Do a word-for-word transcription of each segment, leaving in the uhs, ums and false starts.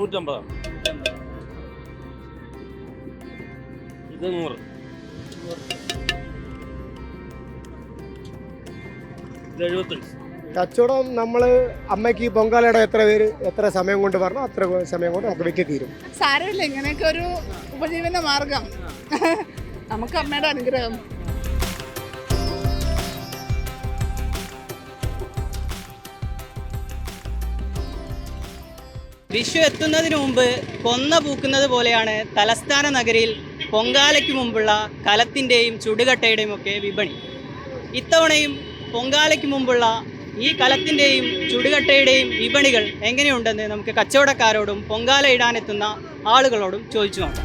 നൂറ്റമ്പതാണ്. ഇത് നൂറ്. ഇത് എഴുപത്തഞ്ച്. കച്ചവടം നമ്മൾ അമ്മയ്ക്ക് ഈ പൊങ്കാലയുടെ എത്ര പേര് എത്ര സമയം കൊണ്ട് പറഞ്ഞോ അത്ര സമയം കൊണ്ട് നമുക്ക് വിറ്റ് തീരും. സാരമില്ല, ഇങ്ങനെയൊക്കെ ഒരു ഉപജീവന മാർഗം. നമുക്ക് അമ്മയുടെ അനുഗ്രഹം. വിഷു എത്തുന്നതിന് മുമ്പ് കൊന്ന പൂക്കുന്നത് പോലെയാണ് തലസ്ഥാന നഗരിയിൽ പൊങ്കാലയ്ക്ക് മുമ്പുള്ള കലത്തിൻ്റെയും ചുടുകട്ടയുടെയും ഒക്കെ വിപണി. ഇത്തവണയും പൊങ്കാലയ്ക്ക് മുമ്പുള്ള ഈ കലത്തിൻ്റെയും ചുടുകട്ടയുടെയും വിപണികൾ എങ്ങനെയുണ്ടെന്ന് നമുക്ക് കച്ചവടക്കാരോടും പൊങ്കാല ഇടാനെത്തുന്ന ആളുകളോടും ചോദിച്ചു നോക്കാം.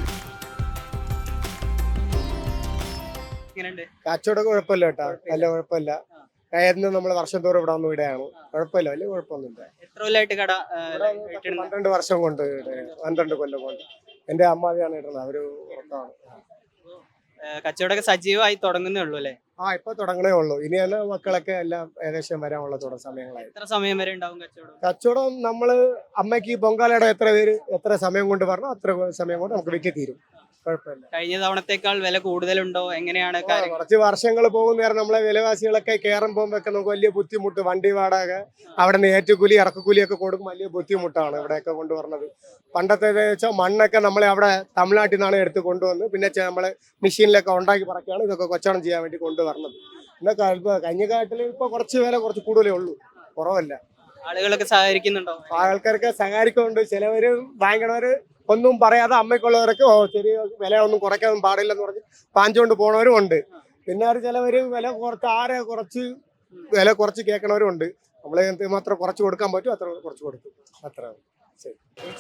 എങ്ങനെയുണ്ട് കച്ചവടം? കുഴപ്പമില്ല കേട്ടോ, നല്ല കുഴപ്പമില്ല. കയറുന്ന നമ്മൾ വർഷം തോറും ഇവിടെ വന്നു ഇടയാണ്. കുഴപ്പമില്ല, വലിയ കുഴപ്പമൊന്നുമില്ല. എത്ര കൊല്ലമായിട്ട് കട? പന്ത്രണ്ട് വർഷം കൊണ്ട് പന്ത്രണ്ട് കൊല്ലം കൊണ്ട് എന്റെ അമ്മാവിയാണ് ഇടുന്നത്. അവര് ഉറപ്പാണ്. കച്ചവടമൊക്കെ സജീവമായി തുടങ്ങുന്നേ ഉള്ളൂ അല്ലേ? ആ ഇപ്പൊ തുടങ്ങണേ ഉള്ളൂ. ഇനിയാണ് മക്കളൊക്കെ എല്ലാം ഏകദേശം വരാനുള്ള തുടർ സമയങ്ങളായി. എത്ര സമയം വരെ ഉണ്ടാവും കച്ചവടം? കച്ചവടം നമ്മള് അമ്മയ്ക്ക് ഈ പൊങ്കാലയുടെ എത്ര പേര് എത്ര സമയം കൊണ്ട് പറഞ്ഞോ അത്ര സമയം കൊണ്ട് നമുക്ക് വിറ്റ് തീരും. കുഴപ്പമില്ല. കഴിഞ്ഞ തവണത്തേക്കാൾ വില കൂടുതലുണ്ടോ? എങ്ങനെയാണ് കാര്യങ്ങൾ? കുറച്ച് വർഷങ്ങൾ പോകുന്ന നേരം നമ്മളെ വിലവാസികളൊക്കെ കയറും പോകുമ്പോഴൊക്കെ നമുക്ക് വലിയ ബുദ്ധിമുട്ട്. വണ്ടി വാടക, അവിടെ നിന്ന് ഏറ്റുകൂലി ഇറക്കുകൂലിയൊക്കെ കൊടുക്കും. വലിയ ബുദ്ധിമുട്ടാണ് ഇവിടെയൊക്കെ കൊണ്ടുവരുന്നത്. പണ്ടത്തെ വെച്ചാൽ മണ്ണൊക്കെ നമ്മളെ അവിടെ തമിഴ്നാട്ടിൽ നിന്നാണ് എടുത്ത് കൊണ്ടുവന്ന് പിന്നെ നമ്മളെ മെഷീനിലൊക്കെ ഉണ്ടാക്കി പറക്കുകയാണ് ഇതൊക്കെ കച്ചവടം ചെയ്യാൻ വേണ്ടി കൊണ്ടുവരുന്നത്. പിന്നെ കഴിഞ്ഞ കാലത്തിൽ ഇപ്പൊ കുറച്ച് വില കുറച്ച് കൂടുതലേ ഉള്ളൂ, കുറവല്ല. ആളുകളൊക്കെ സഹകരിക്കുന്നുണ്ടോ? ആൾക്കാർക്ക് സഹകരിക്കുന്നുണ്ട്. ചിലവര് വാങ്ങിക്കണവര് ഒന്നും പറയാതെ അമ്മയ്ക്കുള്ളവരൊക്കെ ഓ ചെറിയ വില ഒന്നും കുറയ്ക്കാൻ പാടില്ലെന്ന് പറഞ്ഞ് പാഞ്ചുകൊണ്ട് പോണവരും ഉണ്ട്. പിന്നെ അത് ചിലവര് വില കുറച്ച് ആരെ കുറച്ച് വില കുറച്ച് കേൾക്കണവരും ഉണ്ട്. നമ്മളെ മാത്രം കുറച്ച് കൊടുക്കാൻ പറ്റും അത്ര കുറച്ച് കൊടുക്കും. അത്ര ശരി.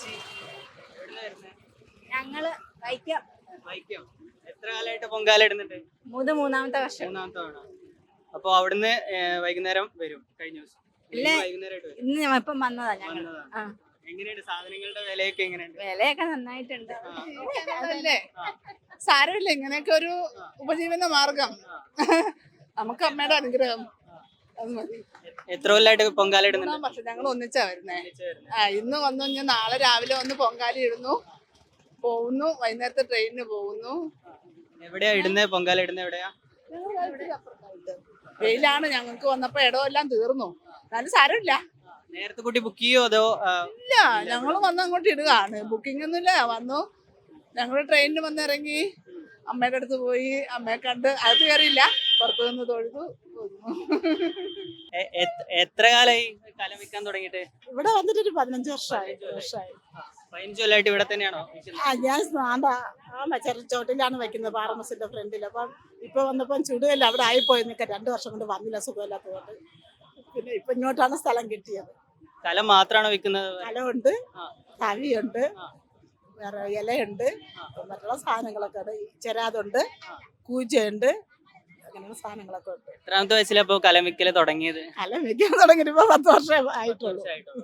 ഞങ്ങള് വൈക്കം. വൈക്കം. എത്ര കാലമായിട്ട് പൊങ്കാല ഇടുന്നുണ്ട്? മൂന്ന് മൂന്നാമത്തെ വർഷം. മൂന്നാമത്തെ തവണ. അപ്പൊ അവിടുന്ന് വൈകുന്നേരം വരും? കഴിഞ്ഞ ദിവസം ഇല്ല, വൈകുന്നേരമായിട്ട് വരും. ഇന്ന് ഇപ്പം വന്നതാ ഞങ്ങൾ. എങ്ങനെയുണ്ട് സാധനങ്ങളുടെ വിലയൊക്കെ? എങ്ങനെയുണ്ട്? വിലയൊക്കെ നന്നായിട്ടുണ്ട്. അതല്ലേ, സാരമില്ല, ഇങ്ങനെയൊക്കെ ഒരു ഉപജീവന മാർഗം. നമുക്ക് അമ്മയുടെ അനുഗ്രഹം, അത് മതി. എത്ര കൊല്ലമായിട്ട് പൊങ്കാല ഇടുന്നുണ്ട്? പക്ഷെ ഞങ്ങൾ ഒന്നിച്ചാ വരുന്നേ. ആ ഇന്ന് വന്നു, ഞാൻ നാളെ രാവിലെ വന്ന് പൊങ്കാല ഇടുന്നു, പോകുന്നു, വൈകുന്നേരത്തെ ട്രെയിനിന് പോകുന്നു. എവിടെയാ ഇടുന്നത്? പൊങ്കാല ഇടുന്നത് എവിടെയാ? വെയിലാണ്, ഞങ്ങൾക്ക് വന്നപ്പോ ഇടമെല്ലാം തീർന്നു. എന്നാലും സാരമില്ല. നേരത്തെ കൂട്ടി ബുക്ക് ചെയ്യോ അതോ? ഇല്ല, ഞങ്ങൾ വന്ന് അങ്ങോട്ട് ഇടുകയാണ്. ബുക്കിംഗ് ഒന്നുമില്ല. വന്നു, ഞങ്ങൾ ട്രെയിനിന് വന്നിറങ്ങി, അമ്മയുടെ അടുത്ത് പോയി, അമ്മയെ കണ്ട് അകത്ത് കയറിയില്ല, പുറത്തു നിന്ന് തൊഴുതു. എത്ര കാലായി കലം വിൽക്കാൻ തുടങ്ങിയിട്ട്? ഇവിടെ വന്നിട്ട് ഒരു പതിനഞ്ച് വർഷമായി. വർഷമായി പതിനഞ്ച് കൊല്ലമായിട്ട് ഇവിടെ തന്നെയാണോ? ആ ഞാൻ ആ ചെറുച്ചോട്ടിലാണ് വെക്കുന്നത്, പാറമസിന്റെ ഫ്രണ്ടിൽ. അപ്പം ഇപ്പൊ വന്നപ്പം ചുടുകല്ല അവിടെ ആയിപ്പോയി നിൽക്കാൻ. രണ്ടു വർഷം കൊണ്ട് വന്നില്ല, സുഖമില്ലാത്തതുകൊണ്ട്. പിന്നെ ഇപ്പൊ ഇങ്ങോട്ടാണ് സ്ഥലം കിട്ടിയത്. കലം മാത്രമാണോ വിൽക്കുന്നത്? കലമുണ്ട്, തവിയുണ്ട്, വേറെ ഇലയുണ്ട്, മറ്റുള്ള സാധനങ്ങളൊക്കെ ഉണ്ട്. ചെരാതുണ്ട്, കൂജയുണ്ട്, അങ്ങനെയുള്ള സാധനങ്ങളൊക്കെ ഉണ്ട്. എത്രാമത്തെ വയസ്സിലപ്പോ കലം വിൽക്കല് തുടങ്ങിയത്? കലം വിൽക്കാൻ തുടങ്ങിയിട്ട് ഇപ്പൊ പത്ത് വർഷം ആയിട്ടുള്ളൂ.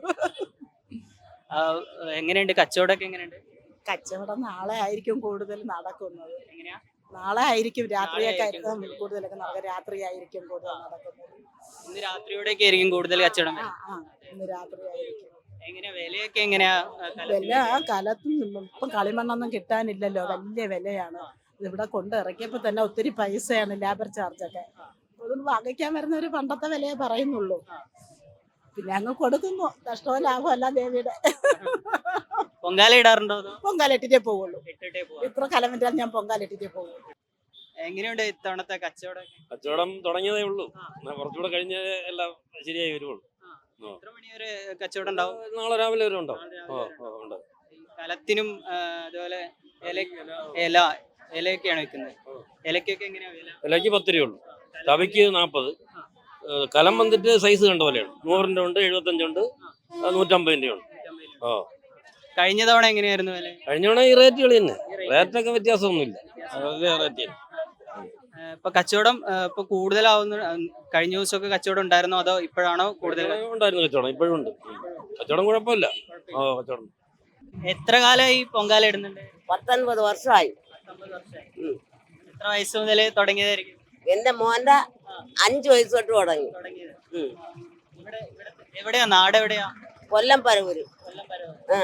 എങ്ങനെയുണ്ട് കച്ചവടമൊക്കെ? എങ്ങനെയുണ്ട് കച്ചവടം? നാളെ ആയിരിക്കും കൂടുതൽ നടക്കുന്നത്. എങ്ങനെയാ? നാളെ ആയിരിക്കും, രാത്രിയൊക്കെ ആയിരിക്കും കൂടുതലൊക്കെ നടക്കുക. രാത്രി ആയിരിക്കും കൂടുതൽ നടക്കുന്നത്. ഇന്ന് രാത്രിയോടെയൊക്കെ ആയിരിക്കും കൂടുതൽ കച്ചവടം? ആ ഇന്ന് രാത്രി ആയിരിക്കും. എങ്ങനെയാ വിലയൊക്കെ? എങ്ങനെയാ വില? കലത്തും ഇപ്പം കളിമണ്ണൊന്നും കിട്ടാനില്ലല്ലോ, വലിയ വിലയാണ്. ഇവിടെ കൊണ്ട് ഇറക്കിയപ്പോ തന്നെ ഒത്തിരി പൈസയാണ്, ലേബർ ചാർജൊക്കെ. അതൊന്നും വാങ്ങിക്കാൻ വരുന്നവര് പണ്ടത്തെ വിലയെ പറയുന്നുള്ളൂ. പിന്നെ അങ്ങ് കൊടുക്കുന്നു, നഷ്ടമോ ലാഭമോ അല്ല ദേവിയുടെ. പൊങ്കാല ഇടാറുണ്ടോ? പൊങ്കാല ഇട്ടിട്ടേ പോവുള്ളൂ. ഇത്ര കലം വിറ്റാൽ ഞാൻ പൊങ്കാല ഇട്ടിട്ടേ പോവുള്ളൂ. എങ്ങനെയുണ്ട് ഇത്തവണത്തെ കച്ചവടം? കച്ചവടം തുടങ്ങിയതേ ഉള്ളൂ, കുറച്ചുകൂടെ കഴിഞ്ഞ എല്ലാം ശരിയായി വരുവുള്ളൂ. എത്ര മണി വരെ കച്ചവടം ഉണ്ടാവും? നാളെ രാവിലെ വരെ ഉണ്ടോ? കലത്തിനും അതുപോലെ ഇല ഇലയൊക്കെയാണ് വെക്കുന്നത്. ഇലക്കൊക്കെ എങ്ങനെയാ വില? ഇലക്ക് പത്ത് രൂപ ഉള്ളൂ, തവിക്ക് നാൽപ്പത്. കലം വന്നിട്ട് സൈസ് കണ്ട പോലെയാണ്. നൂറിൻ്റെ ഉണ്ട്, എഴുപത്തഞ്ചുണ്ട്, നൂറ്റമ്പതിൻ്റെ ഉണ്ട്. ആ കഴിഞ്ഞ തവണ എങ്ങനെയായിരുന്നു വില? കഴിഞ്ഞ തവണ ഈ റേറ്റുകൾ തന്നെ, റേറ്റൊക്കെ വ്യത്യാസമൊന്നുമില്ല. റേറ്റ് ഇപ്പൊ കച്ചവടം ഇപ്പൊ കൂടുതലാവുന്ന? കഴിഞ്ഞ ദിവസമൊക്കെ കച്ചവടം ഉണ്ടായിരുന്നോ അതോ ഇപ്പോഴാണോ കൂടുതൽ? ഉണ്ടായിരുന്നു കച്ചവടം, ഇപ്പോഴും ഉണ്ട് കച്ചവടം, കുഴപ്പമില്ല. ആ കച്ചവടം. എത്ര കാലമായി പൊങ്കാല ഇടുന്നുണ്ട്? പത്തൊൻപത് വർഷമായി. എത്ര വയസ്സ് മുതൽ തുടങ്ങിയതായിരിക്കും? എന്റെ മോന്റെ അഞ്ചു വയസ്സ് തൊട്ട് തുടങ്ങി. എവിടെയാ നാട്? എവിടെയാ? കൊല്ലം പരവൂര്.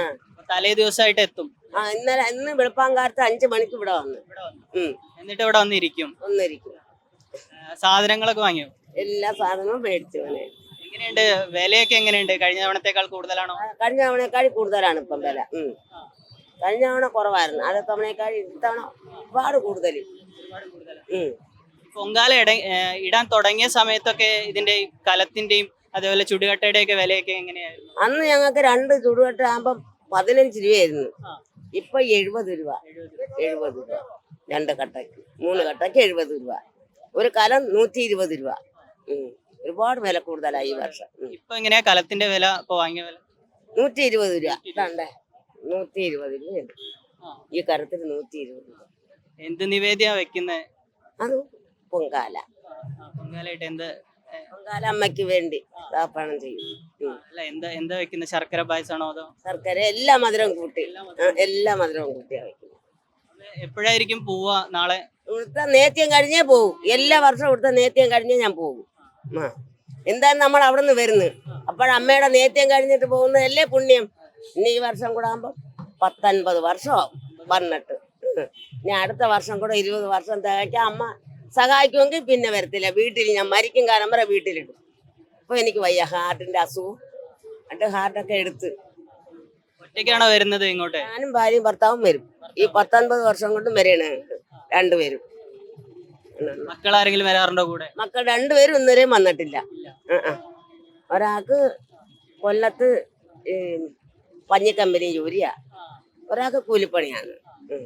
തലേ ദിവസമായിട്ട് എത്തും. ആ ഇന്നലെ ഇന്ന് വെളുപ്പാങ്കാലത്ത് അഞ്ചു മണിക്ക് ഇവിടെ വന്നു. ഇവിടെ വന്നു. ഉം എന്നിട്ട് ഇവിടെ വന്നിരിക്കും. ഒന്നിരിക്കും. ആ, സാധനങ്ങളൊക്കെ വാങ്ങിയോ? എല്ലാ സാധനവും മേടിച്ചു അവനെ. എങ്ങനെയുണ്ട് വിലയൊക്കെ? എങ്ങനെയുണ്ട്? കഴിഞ്ഞ തവണത്തേക്കാൾ കൂടുതലാണോ? കഴിഞ്ഞ തവണയേക്കാൾ കൂടുതലാണ് ഇപ്പം വില. ഉം കഴിഞ്ഞ തവണ കുറവായിരുന്നു, അത് തവണയേക്കാൾ ഇത്തവണ ഒരുപാട് കൂടുതൽ. ഉം പൊങ്കാല ഇട ഏഹ് ഇടാൻ തുടങ്ങിയ സമയത്തൊക്കെ ഇതിന്റെ ഈ കലത്തിന്റെയും അതേപോലെ ചുടുകട്ടയുടെ ഒക്കെ വിലയൊക്കെ എങ്ങനെയായിരുന്നു? അന്ന് ഞങ്ങൾക്ക് രണ്ട് ചുടുകട്ട ആകുമ്പം പതിനഞ്ച് രൂപയായിരുന്നു. ആ. ഇപ്പൊ എഴുപത് രൂപ. എഴുപത് രൂപ രണ്ട് കട്ടയ്ക്ക്, മൂന്ന് കട്ടയ്ക്ക് എഴുപത് രൂപ. ഒരു കലം നൂറ്റി ഇരുപത് രൂപ. ഉം ഒരുപാട് വില കൂടുതലായി ഈ വർഷം. ഉം. ഇപ്പൊ എങ്ങനെയാ കലത്തിന്റെ വില? ഇപ്പൊ വാങ്ങിയ വില നൂറ്റി ഇരുപത് രൂപ. ഇതാണ്ടേ നൂറ്റി ഇരുപത് രൂപയുണ്ട് ആ. ഈ കരത്തിൽ. നൂറ്റി ഇരുപത് രൂപ. എന്ത് നിവേദ്യ വെക്കുന്നത്? അത് പൊങ്കാല. പൊങ്കാലായിട്ട് എന്ത്? പൊങ്കാല അമ്മയ്ക്ക് വേണ്ടി ദാപ്പണം ചെയ്യും. ഉം. അല്ല, എന്താ എന്താ വെക്കുന്നത്? ശർക്കര പായസമാണോ അതോ? ശർക്കര എല്ലാ മധുരവും കൂട്ടി. ആ, എല്ലാ മധുരവും കൂട്ടിയാ വയ്ക്കും. എപ്പോഴായിരിക്കും പോവാ? നാളെ ഇവിടുത്തെ നേത്യം കഴിഞ്ഞേ പോകും. എല്ലാ വർഷവും ഇവിടുത്തെ നേത്യം കഴിഞ്ഞേ ഞാൻ പോകും. ആ എന്തായാലും നമ്മൾ അവിടെ നിന്ന് വരുന്നു. അപ്പോഴമ്മയുടെ നേത്യം കഴിഞ്ഞിട്ട് പോകുന്നതല്ലേ പുണ്യം. ഇനി ഈ വർഷം കൂടെ ആകുമ്പോൾ പത്തൊൻപത് വർഷമാവും വന്നിട്ട്. ഇനി അടുത്ത വർഷം കൂടെ ഇരുപത് വർഷം തികയ്ക്കാൻ അമ്മ സഹായിക്കുമെങ്കിൽ പിന്നെ വരത്തില്ല. വീട്ടിൽ ഞാൻ മരിക്കും കാലം വരെ വീട്ടിലിടും. അപ്പോൾ എനിക്ക് വയ്യ, ഹാർട്ടിൻ്റെ അസുഖം. എന്നിട്ട് ഹാർട്ടൊക്കെ എടുത്ത് ഒറ്റയ്ക്കാണോ വരുന്നത് ഇങ്ങോട്ട്? ഞാനും ഭാര്യയും ഭർത്താവും വരും. ഈ പത്തൊൻപത് വർഷം കൊണ്ടും വരെയാണ് രണ്ടുപേരും. മക്കൾ ആരെങ്കിലും വരാറുണ്ടോ കൂടെ? മക്കൾ രണ്ടുപേരും ഇന്നുവരെയും വന്നിട്ടില്ല. ആ, ആ. ഒരാൾക്ക് കൊല്ലത്ത് ഈ പഞ്ഞിക്കമ്പനി ജോലിയാ, ഒരാൾക്ക് കൂലിപ്പണിയാണ്. ഉം.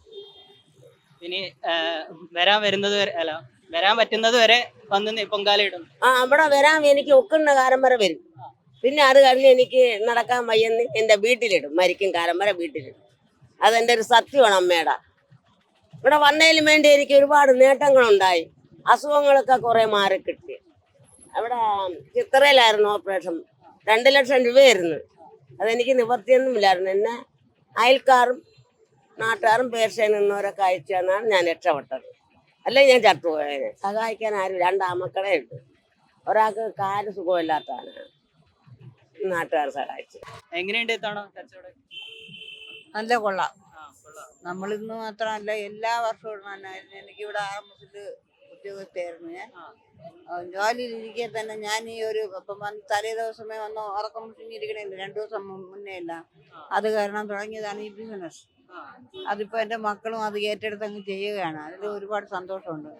ഇനി ആ, വരാൻ വരുന്നത് വരെ അല്ല വരാൻ പറ്റുന്നത് വരെ വന്ന് നി- പൊങ്കാല ഇടും. ആ അവിടെ വരാൻ എനിക്ക് ഒക്കുന്ന കാലം വരെ വരും. പിന്നെ അത് കഴിഞ്ഞ് എനിക്ക് നടക്കാൻ വയ്യെന്ന് എൻ്റെ വീട്ടിലിടും. മരിക്കും കാലം വരെ വീട്ടിലിടും. അതെൻ്റെ ഒരു സത്യമാണ് അമ്മയുടെ. ഇവിടെ വന്നതിലും വേണ്ടി എനിക്ക് ഒരുപാട് നേട്ടങ്ങളുണ്ടായി. അസുഖങ്ങളൊക്കെ കുറെ മാറി കിട്ടി. അവിടെ ചിത്രയിലായിരുന്നു ഓപ്പറേഷൻ. രണ്ട് ലക്ഷം രൂപയായിരുന്നു. അതെനിക്ക് നിവർത്തിയൊന്നുമില്ലായിരുന്നു. എന്നെ അയൽക്കാരും നാട്ടുകാരും പേർച്ചയിൽ നിന്നവരൊക്കെ അയച്ചു തന്നാണ് ഞാൻ രക്ഷപ്പെട്ടത്. അല്ലെങ്കിൽ ഞാൻ ചത്തുപോയതിനെ. സഹായിക്കാൻ ആരും രണ്ടാമക്കളെ ഉണ്ട്. ഒരാൾക്ക് കാല് സുഖമില്ലാത്തതാണ്, നാട്ടുകാർ സഹായിച്ചു. എങ്ങനെയുണ്ട് ഇത്തവണ കച്ചവടം? നല്ല കൊള്ളാം. ആ, കൊള്ളാം. നമ്മളിന്ന് മാത്രമല്ല എല്ലാ വർഷവും തന്നെ. എനിക്കിവിടെ ആറമ്പത്തിൽ ഉദ്യോഗസ്ഥയായിരുന്നു ഞാൻ. ആ. ആ, ജോലിയിലിരിക്കെ തന്നെ ഞാൻ ഈ ഒരു ഇപ്പം വന്ന് തലേ ദിവസമേ വന്ന് ഉറക്കം മുഷിഞ്ഞിരിക്കണില്ല, രണ്ടു ദിവസം മു- മുന്നേ അല്ല. അത് കാരണം തുടങ്ങിയതാണ് ഈ ബിസിനസ്. ആ. അതിപ്പോൾ എൻ്റെ മക്കളും അത് ഏറ്റെടുത്ത് അങ്ങ് ചെയ്യുകയാണ്. അതിൽ ഒരുപാട് സന്തോഷമുണ്ട്.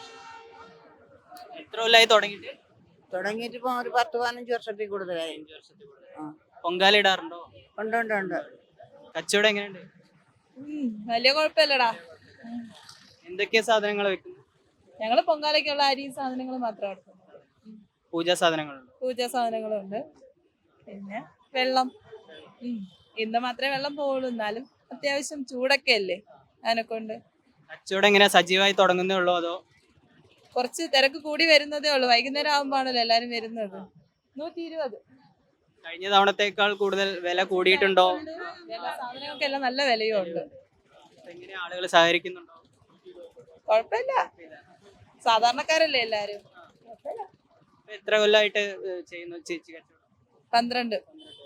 എത്ര കൊല്ലായി തുടങ്ങിയിട്ട്? തുടങ്ങിയിട്ട് ഇപ്പം ഒരു പത്ത് പതിനഞ്ച് വർഷത്തിൽ കൂടുതലായി. അഞ്ച് വർഷത്തിൽ കൂടുതൽ. ആ. പൊങ്കാല ഇടാറുണ്ടോ? ഉണ്ട് ഉണ്ട് ഉണ്ട്. കച്ചവടം എങ്ങനെയുണ്ട്? വലിയ കുഴപ്പമില്ലടാ. എന്തൊക്കെ സാധനങ്ങൾ വെക്കുന്നു? ഞങ്ങള് പൊങ്കാലയ്ക്കുള്ള അരി സാധനങ്ങൾ മാത്രം എടുക്കുന്നുള്ളൂ. പൂജാ സാധനങ്ങളുണ്ട്. പൂജാ സാധനങ്ങളുണ്ട്. പിന്നെ വെള്ളം. ഉം. ഇന്ന് മാത്രമേ വെള്ളം പോവുള്ളൂ. എന്നാലും അത്യാവശ്യം ചൂടൊക്കെ അല്ലേ, അതിനെക്കൊണ്ട് കച്ചവടം എങ്ങനെ സജീവമായി തുടങ്ങുന്നേ ഉള്ളൂ അതോ? കുറച്ച് തിരക്ക് കൂടി വരുന്നതേ ഉള്ളൂ. വൈകുന്നേരം ആകുമ്പോഴാണല്ലോ എല്ലാരും വരുന്നത്. നൂറ്റി ഇരുപത്. കഴിഞ്ഞ തവണത്തേക്കാൾ കൂടുതൽ വില കൂടിയിട്ടുണ്ടോ? എല്ലാ സാധനങ്ങൾക്കെല്ലാം നല്ല വിലയും ഉണ്ട്. എങ്ങനെ ആളുകൾ സഹകരിക്കുന്നുണ്ടോ? കുഴപ്പമില്ല, സാധാരണക്കാരല്ലേ എല്ലാരും. കുഴപ്പമില്ല. ഇപ്പൊ എത്ര കൊല്ലമായിട്ട് ഏഹ്, ചെയ്യുന്നു ചേച്ചി കച്ചവടം? പന്ത്രണ്ട്.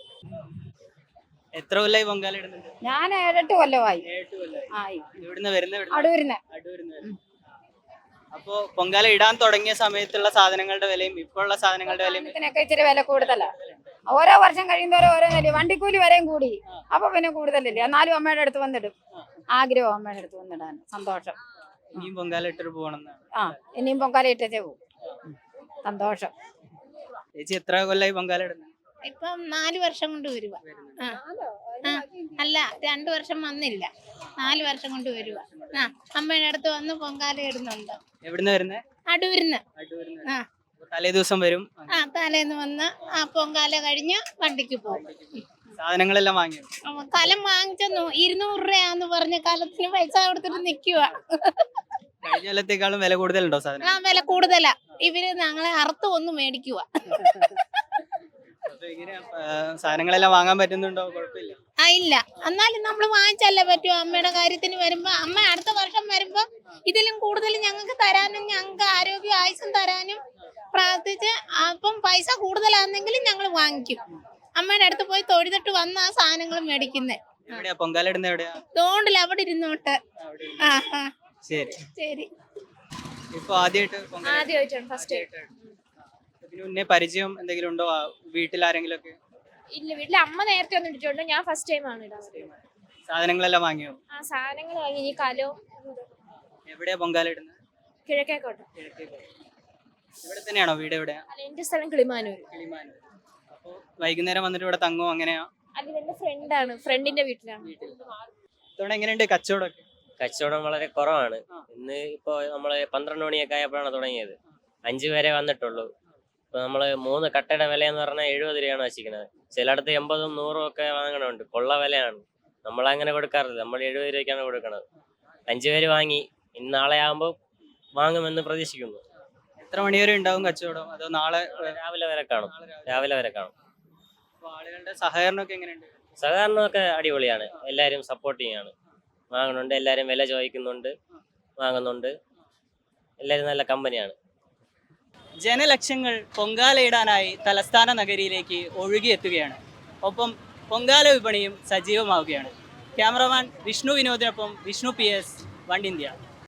എത്ര കൊല്ലമായി പൊങ്കാല ഇടുന്നുണ്ട്? ഞാൻ ഏഴെട്ട് കൊല്ലമായി ഏഴ് കൊല്ലമായി. ആയി. ഇവിടുന്ന് വരുന്ന അടൂരിന്. അടൂരിന്ന് വരുന്ന. അപ്പോ പൊങ്കാല ഇടാൻ തുടങ്ങിയ സമയത്തുള്ള സാധനങ്ങളുടെ വിലയും ഇപ്പോഴുള്ള സാധനങ്ങളുടെ വിലയും ഇതിനൊക്കെ ഇച്ചിരി വില കൂടുതലാ. ഓരോ വർഷം കഴിയുന്നവരെ ഓരോന്നല്ലേ, വണ്ടിക്കൂലി വരെയും കൂടി. അപ്പൊ പിന്നെ കൂടുതലല്ലേ. എന്നാലും അമ്മയുടെ അടുത്ത് വന്നിടും. ആഗ്രഹം അമ്മയുടെ അടുത്ത് വന്നിടാൻ. സന്തോഷം. ഇനിയും പൊങ്കാല ഇട്ടിട്ട് പോകണമെന്നാണ്. ആ ഇനിയും പൊങ്കാല ഇട്ടേ പോകും. സന്തോഷം. ചേച്ചി എത്ര കൊല്ലമായി പൊങ്കാല ഇടുന്നത്? ഇപ്പം നാല് വർഷം കൊണ്ട് വരുക. ആ ആ, അല്ല രണ്ടു വർഷം വന്നില്ല, നാല് വർഷം കൊണ്ട് വരുക. ആ അമ്മയുടെ അടുത്ത് വന്ന് പൊങ്കാല ഇടുന്നുണ്ട്. എവിടുന്ന് വരുന്നേ? അടൂരിന്ന്. അടൂരിന്ന്. ആ. അപ്പൊ തലേ ദിവസം വരും. ആ തലേന്ന് വന്ന് ആ പൊങ്കാല കഴിഞ്ഞ് വണ്ടിക്ക് പോകും. സാധനങ്ങളെല്ലാം വാങ്ങിയോ? അപ്പൊ കലം വാങ്ങിച്ചെന്നു ഇരുന്നൂറ് രൂപയാന്ന് പറഞ്ഞ് കലത്തിന് പൈസ കൊടുത്തിട്ട് നിക്കുക. കഴിഞ്ഞ കൊല്ലത്തേക്കാളും വില കൂടുതലുണ്ടോ സാധനം? ആ വില കൂടുതലാ. ഇവര് ഞങ്ങളെ അറുത്ത് ഒന്ന് മേടിക്കുക. അപ്പൊ എങ്ങനെയാ ഏഹ്, സാധനങ്ങളെല്ലാം വാങ്ങാൻ പറ്റുന്നുണ്ടോ? കുഴപ്പമില്ല. ആ ഇല്ല, എന്നാലും നമ്മൾ വാങ്ങിച്ചല്ലേ പറ്റൂ. അമ്മയുടെ കാര്യത്തിന് വരുമ്പോ അമ്മ അടുത്ത വർഷം വരുമ്പോ ഇതിലും കൂടുതൽ ഞങ്ങൾക്ക് തരാനും ഞങ്ങൾക്ക് ആരോഗ്യ ആയുസും തരാനും പ്രാർത്ഥിച്ച്, അപ്പം പൈസ കൂടുതലാണെങ്കിലും ഞങ്ങൾ വാങ്ങിക്കും. അമ്മയുടെ അടുത്ത് പോയി തൊഴുതിട്ട് വന്ന ആ സാധനങ്ങൾ മേടിക്കുന്നേ. എവിടെയാ പൊങ്കാല ഇടുന്നത് എവിടെയാ? തോണ്ടില്ല അവിടെ ഇരുന്നോട്ട്. അവിടെ ഇരുന്ന്. ആ ആ ശരി. ശരി. ഇപ്പൊ ആദ്യമായിട്ട് പൊങ്കാല ആദ്യമായിട്ടാണ് ഫസ്റ്റ് ആദ്യമായിട്ടാണ്. ഇതിന് മുന്നേ പരിചയം എന്തെങ്കിലും ഉണ്ടോ? ആ, വീട്ടിൽ ആരെങ്കിലും ഒക്കെ ഇല്ല, വീട്ടിലെ അമ്മ നേരത്തെ ഒന്നും ഇട്ടിട്ടുണ്ട്. ഞാൻ ഫസ്റ്റ് ടൈം ആണ് ഇടാൻ. സാധനങ്ങളെല്ലാം വാങ്ങിയോ? ആ സാധനങ്ങൾ വാങ്ങി. ഈ കലോ എവിടെയാ പൊങ്കാല ഇടുന്നത്? കിഴക്കേക്കോട്ടെ. ഇവിടെ തന്നെയാണോ വീട്? എവിടെയാ? അല്ല, എന്റെ സ്ഥലം കിളിമാനൂർ. കിളിമാനൂർ. അപ്പൊ വൈകുന്നേരം വന്നിട്ട് ഇവിടെ തങ്ങോ? അങ്ങനെയാ? അല്ല, എന്റെ ഫ്രണ്ടാണ്, ഫ്രണ്ടിന്റെ വീട്ടിലാണ്. ഇത്തവണ എങ്ങനെയുണ്ട് കച്ചവടമൊക്കെ? കച്ചവടം വളരെ കുറവാണ്. ആ. ഇന്ന് ഇപ്പോൾ നമ്മൾ പന്ത്രണ്ട് മണിയൊക്കെ ആയപ്പോഴാണ് തുടങ്ങിയത്. അഞ്ച് പേരെ വന്നിട്ടുള്ളൂ. ഇപ്പോൾ നമ്മൾ മൂന്ന് കട്ടയുടെ വില എന്ന് പറഞ്ഞാൽ എഴുപത് രൂപയാണ് വെച്ചിരിക്കുന്നത്. ചിലയിടത്ത് എൺപതും നൂറും ഒക്കെ വാങ്ങണമുണ്ട്. കൊള്ള വിലയാണ്. നമ്മളങ്ങനെ കൊടുക്കാറില്ല. നമ്മൾ എഴുപത് രൂപയ്ക്കാണ് കൊടുക്കുന്നത്. അഞ്ച് പേര് വാങ്ങി. ഇന്ന് നാളെ ആകുമ്പോൾ വാങ്ങുമെന്ന് പ്രതീക്ഷിക്കുന്നു. എത്ര മണി വരെ ഉണ്ടാവും കച്ചവടം? അതോ നാളെ നാളെ രാവിലെ വരെ കാണും. നാളെ രാവിലെ? രാവിലെ വരെ കാണും. അപ്പൊ ആളുകളുടെ സഹകരണമൊക്കെ എങ്ങനെയുണ്ട്? സഹകരണമൊക്കെ അടിപൊളിയാണ്. എല്ലാവരും സപ്പോർട്ടിങ് ആണ്. വാങ്ങുന്നുണ്ട്. എല്ലാവരും വില ചോദിക്കുന്നുണ്ട്, വാങ്ങുന്നുണ്ട്. എല്ലാവരും നല്ല കമ്പനിയാണ്. ജനലക്ഷങ്ങൾ പൊങ്കാലയിടാനായി തലസ്ഥാന നഗരിയിലേക്ക് ഒഴുകിയെത്തുകയാണ്. ഒപ്പം പൊങ്കാല വിപണിയും സജീവമാവുകയാണ്. ക്യാമറമാൻ വിഷ്ണു വിനോദിനൊപ്പം Vishnu P S, one India.